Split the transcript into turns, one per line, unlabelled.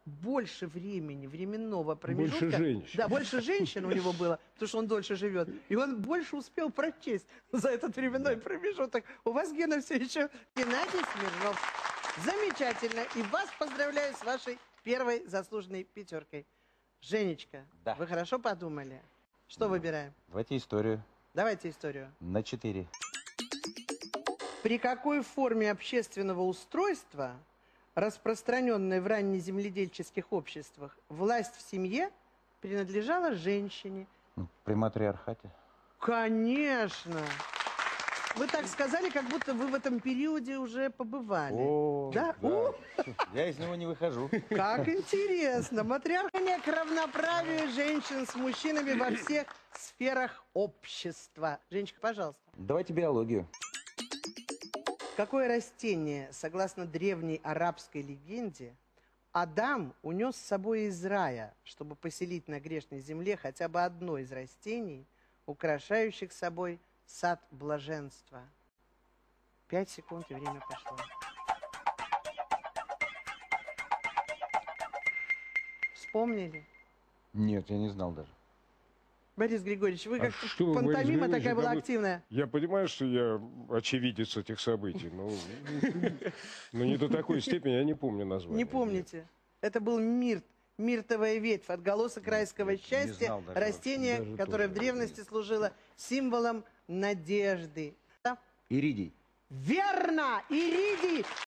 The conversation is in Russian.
больше времени, временного промежутка.
Больше женщин.
Да, больше женщин у него было, потому что он дольше живет. И он больше успел прочесть за этот временной промежуток. У вас, Гена, все еще Геннадий Смирнов. Замечательно. И вас поздравляю с вашей первой заслуженной пятеркой. Женечка,
Да.
вы хорошо подумали? Что выбираем?
Давайте историю.
Давайте историю.
На 4.
При какой форме общественного устройства, распространенной в раннеземледельческих обществах, власть в семье принадлежала женщине?
Ну, при матриархате.
Конечно! Вы так сказали, как будто вы в этом периоде уже побывали.
О,
да?
да.
О,
Я из него не выхожу.
как интересно! Матриархия к равноправию женщин с мужчинами во всех сферах общества. Женечка, пожалуйста.
Давайте биологию.
Какое растение, согласно древней арабской легенде, Адам унес с собой из рая, чтобы поселить на грешной земле хотя бы одно из растений, украшающих собой сад блаженства? 5 секунд, и время пошло. Вспомнили?
Нет, я не знал даже.
Борис Григорьевич, вы
А
как-то
что вы, Борис
пантомима
Григорьевич,
такая была
это вы-
активная.
Я понимаю, что я очевидец этих событий, но не до такой степени, я не помню название.
Не помните? Это был мирт, миртовая ветвь, отголосок райского
не
счастья,
знал даже
растение,
вообще.
которое в
Даже
древности служило символом надежды.
Иридий.
Верно! Иридий!